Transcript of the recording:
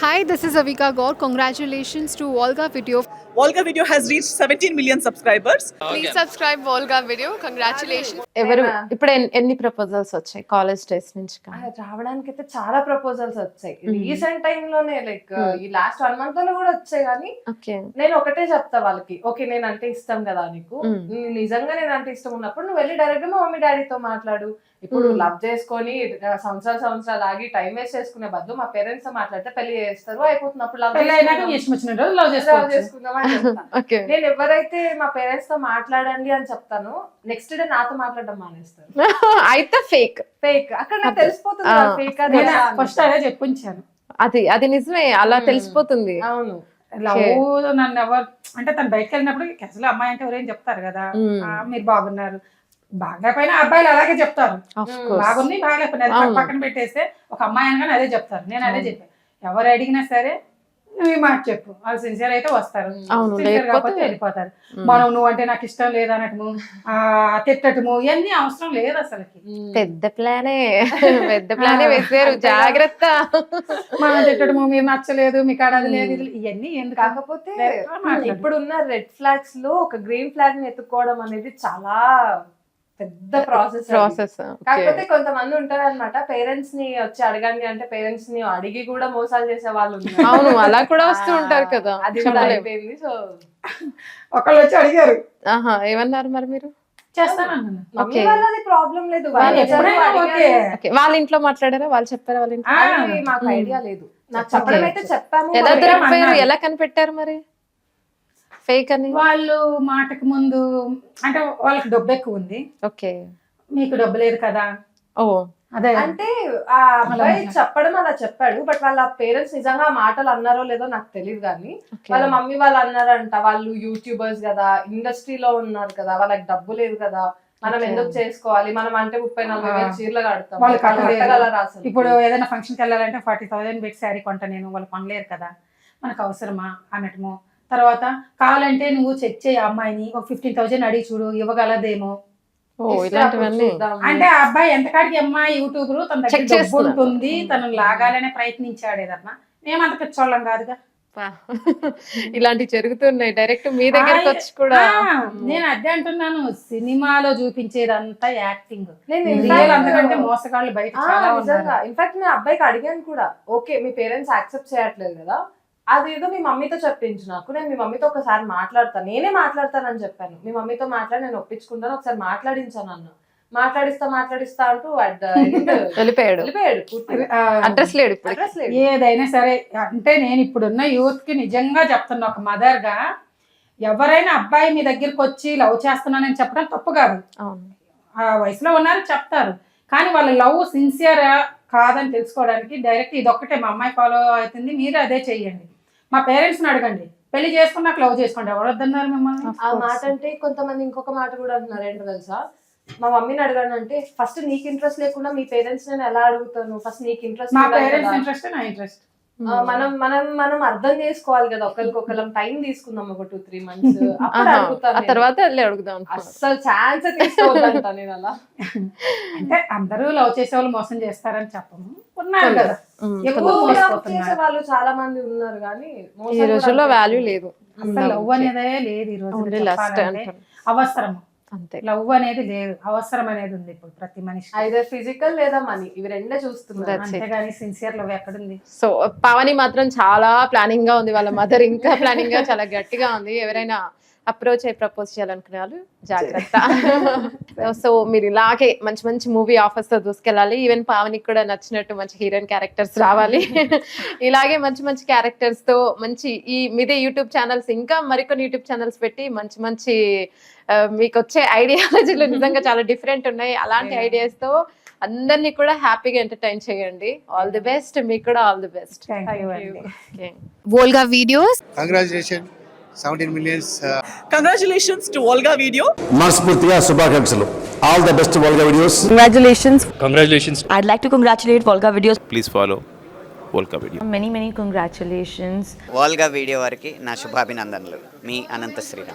Hi, this is Avika Gaur. Congratulations to Volga Video. Volga Video has reached 17 million subscribers. Please subscribe Volga Video. Congratulations. ఎవరు ఇప్పుడు ఎన్ని proposals వచ్చాయి college days నుంచి కానీ? రావడానికి అయితే చాలా ప్రపోజల్స్ వచ్చాయి రీసెంట్ టైమ్ లోనే లైక్ ఈ లాస్ట్ 1 month లో కూడా వచ్చాయి కానీ ఓకే నేను ఒకటే చెప్తా వాళ్ళకి, ఓకే నేను అంటే ఇష్టం కదా నీకు, నిజంగా నేను అంటే ఇష్టం ఉన్నప్పుడు నువ్వు వెళ్ళి డైరెక్ట్ గా మా మమ్మీ డాడీతో మాట్లాడు. ఇప్పుడు లవ్ చేసుకొని సంవత్సరాలు ఆగి టైం వేస్ట్ చేసుకునే బదులు మా పేరెంట్స్ తో మాట్లాడితే పెళ్లి చేస్తారు, అయిపోతుంది. అప్పుడు లవ్ చేసుకుందాం అని చెప్తాను. నేను ఎవరైతే మా పేరెంట్స్ తో మాట్లాడండి అని చెప్తాను, నెక్స్ట్ డే నాతో మాట్లాడడం మానేస్తారు. అయితే ఫేక్ అక్కడ నాకు తెలిసిపోతుంది ఫేక్ అది. ఫస్ట్ అదే చెప్పించాను, అది నిజమే, అలా తెలిసిపోతుంది. అవును, లవ్ నన్ను ఎవరు అంటే తను బయటకు వెళ్ళినప్పుడు అసలు అమ్మాయి అంటే ఎవరేం చెప్తారు కదా, మీరు బాగున్నారు బాగా పైన అబ్బాయిలు అలాగే చెప్తారు, బాగుంది బాగాలేకపోయినా పక్కన పెట్టేస్తే ఒక అమ్మాయి అనగానే అదే చెప్తారు. నేను అదే చెప్పాను, ఎవరు అడిగినా సరే నువ్వు ఈ మాట చెప్పు, వాళ్ళు సిన్సియర్ అయితే వస్తారు, సిన్సియర్ కాకపోతే వెళ్ళిపోతారు. మనం నువ్వు అంటే నాకు ఇష్టం లేదనటము తిట్టటము ఇవన్నీ అవసరం లేదు అసలుకి. పెద్ద ప్లానే వేసారు, జాగ్రత్త. మనం తిట్టడము మీరు నచ్చలేదు మీకు ఆడది లేదు ఇవన్నీ ఎందుకు. కాకపోతే ఇప్పుడున్న రెడ్ ఫ్లాగ్స్ లో ఒక గ్రీన్ ఫ్లాగ్ ని ఎత్తుకోవడం అనేది చాలా పెద్ద ప్రాసెస్. కాకపోతే కొంతమంది ఉంటారు అనమాట, పేరెంట్స్ ని వచ్చి అడగండి అంటే పేరెంట్స్ ని అడిగి కూడా మోసాలు చేసే వాళ్ళు ఉన్నారు. అవును, అలా కూడా వస్తూ ఉంటారు కదా. అది కూడా అయిపోయింది. సో ఒకళ్ళు వచ్చి అడిగారు, ఏమన్నారు మరి మీరు? మమ్మీ వాళ్ళది ప్రాబ్లం లేదు, వాళ్ళ ఇంట్లో మాట్లాడారా, వాళ్ళు చెప్పారా వాళ్ళ ఇంట్లో? మాకు ఐడియా లేదు, నాకు చెప్పడం అయితే చెప్పాము. ఎలా దొరికిపోయారు, ఎలా కనిపెట్టారు మరి ఫేక్ అని? వాళ్ళు మాటకు ముందు అంటే వాళ్ళకి డబ్బు ఎక్కువ ఉంది, ఓకే మీకు డబ్బు లేదు కదా. ఓ అదే అంటే ఆ అబ్బాయి చెప్పడం అలా చెప్పాడు, బట్ వాళ్ళ పేరెంట్స్ నిజంగా మాటలు అన్నారో లేదో నాకు తెలియదు కానీ వాళ్ళ మమ్మీ వాళ్ళు అన్నారంట, వాళ్ళు యూట్యూబర్స్ కదా, ఇండస్ట్రీలో ఉన్నారు కదా, వాళ్ళకి డబ్బు లేదు కదా, మనం ఎందుకు చేసుకోవాలి, మనం అంటే 30-40 చీరలు కడతాం, వాళ్ళు కట్టగలరా. ఇప్పుడు ఏదైనా ఫంక్షన్కి వెళ్ళాలంటే 40,000 పెట్టి శారీ కొంట, నేను వాళ్ళు కొనలేరు కదా, మనకు అవసరమా అన్నట్టుమో. తర్వాత కావాలంటే నువ్వు చెక్ చేయి అమ్మాయిని, ఒక 15,000 అడిగి చూడు ఇవ్వగలదేమో. అంటే ఆ అబ్బాయి ఎంతకాడికి అమ్మాయి యూట్యూబర్ తన దగ్గర డబ్బు ఉంటుంది, తను లాగాలనే ప్రయత్నించాడేదన్నా. మేమంత పిచ్చోళ్ళం కాదుగా. ఇలాంటివి జరుగుతున్నాయి డైరెక్ట్ మీ దగ్గరకు వచ్చి కూడా. నేను అదే అంటున్నాను, సినిమాలో చూపించేదంతా యాక్టింగ్, అంతకంటే మోసగాళ్ళు బయట చాలా ఉన్నారు. ఇన్ఫాక్ట్ నేను అబ్బాయికి అడిగాను కూడా, ఓకే మీ పేరెంట్స్ యాక్సెప్ట్ చేయట్లేదు కదా, అదేదో మీ మమ్మీతో చెప్పించు నాకు, నేను మీ మమ్మీతో ఒకసారి మాట్లాడతాను, నేనే మాట్లాడతానని చెప్పాను. మీ మమ్మీతో మాట్లాడి నేను ఒప్పించుకుంటాను, ఒకసారి మాట్లాడించాను అన్న. మాట్లాడిస్తా అంటూ వెళ్ళిపోయాడు. అడ్రస్ లేడు. ఏదైనా సరే అంటే నేను ఇప్పుడున్న యూత్ కి నిజంగా చెప్తున్నా, ఒక మదర్ గా ఎవరైనా అబ్బాయి మీ దగ్గరికి వచ్చి లవ్ చేస్తున్నానని చెప్పడం తప్పు కాదు. ఆ వయసులో ఉన్నారు చెప్తారు, కానీ వాళ్ళ లవ్ సిన్సియర్ కాదని తెలుసుకోవడానికి డైరెక్ట్ ఇదొక్కటే, మా అమ్మాయి ఫాలో అవుతుంది మీరు అదే చెయ్యండి, మా పేరెంట్స్ ని అడగండి, పెళ్లి చేసుకున్నాక లవ్ చేసుకోండి. ఎవరు వద్దన్నారు మిమ్మల్ని? ఆ మాట అంటే కొంతమంది ఇంకొక మాట కూడా అంటున్నారు, ఏంటో తెలుసా, మా మమ్మీని అడగండి అంటే, ఫస్ట్ నీకు ఇంట్రెస్ట్ లేకుండా మీ పేరెంట్స్ నేను ఎలా అడుగుతాను, ఫస్ట్ నీకు ఇంట్రెస్ట్. మా పేరెంట్స్ ఇంట్రెస్ట్ నా ఇంట్రెస్ట్. మనం అర్థం చేసుకోవాలి కదా, ఒకరికొకరం టైం తీసుకుందాం, ఒక 2-3 months, అప్పుడు అడుగుతాను, తర్వాత అడుగుదాం. అస్సలు ఛాన్స్ తీసుకోవద్దంట నేను అలా. అంటే అందరూ లవ్ చేసే వాళ్ళు మోసం చేస్తారని చెప్పము, ఉన్నారు కదా చేసే వాళ్ళు చాలా మంది ఉన్నారు, కానీ ఈ రోజుల్లో వాల్యూ లేదు, అసలు లవ్ అనేదే లేదు ఈ రోజు. అవసరము అంతే, లవ్ అనేది లేదు, అవసరం అనేది ఉంది ఇప్పుడు ప్రతి మనిషి. అయితే ఫిజికల్ లేదా మనీ, ఇవి రెండే చూస్తున్నారు, అంతేగాని సిన్సియర్ లవ్ ఎక్కడుంది. సో పావని మాత్రం చాలా ప్లానింగ్ గా ఉంది, వాళ్ళ మదర్ ఇంకా ప్లానింగ్ గా చాలా గట్టిగా ఉంది. ఎవరైనా అప్రోచ్ అయ్యి ప్రపోజ్ చేయాలనుకునే వాళ్ళు జాగ్రత్త. సో మీరు ఇలాగే మంచి మంచి మూవీ ఆఫర్స్ తో దూసుకెళ్ళాలి. ఈవెన్ పావనికి కూడా నచ్చినట్టు మంచి హీరోయిన్ క్యారెక్టర్స్ రావాలి. ఇలాగే మంచి మంచి క్యారెక్టర్స్ తో మంచి ఈ మీదే యూట్యూబ్ ఛానల్స్, ఇంకా మరికొన్ని యూట్యూబ్ ఛానల్స్ పెట్టి మంచి మంచి మీకు వచ్చే ఐడియాలజీలు నిజంగా చాలా డిఫరెంట్ ఉన్నాయి. అలాంటి ఐడియాస్ తో అందరినీ కూడా హ్యాపీగా ఎంటర్టైన్ చేయండి. ఆల్ ది బెస్ట్, మీకు కూడా all the best. Volga Videos. Congratulations, 17 millions. Congratulations to Volga Video. మనస్ఫూర్తిగా శుభాకాంక్షలు. All the best to Volga Videos. Congratulations. I'd like to congratulate Volga Videos. Please follow Volga Video. Many congratulations. Volga Video వారికి నా శుభాభినందనలు. మీ అనంత శ్రీరామ్.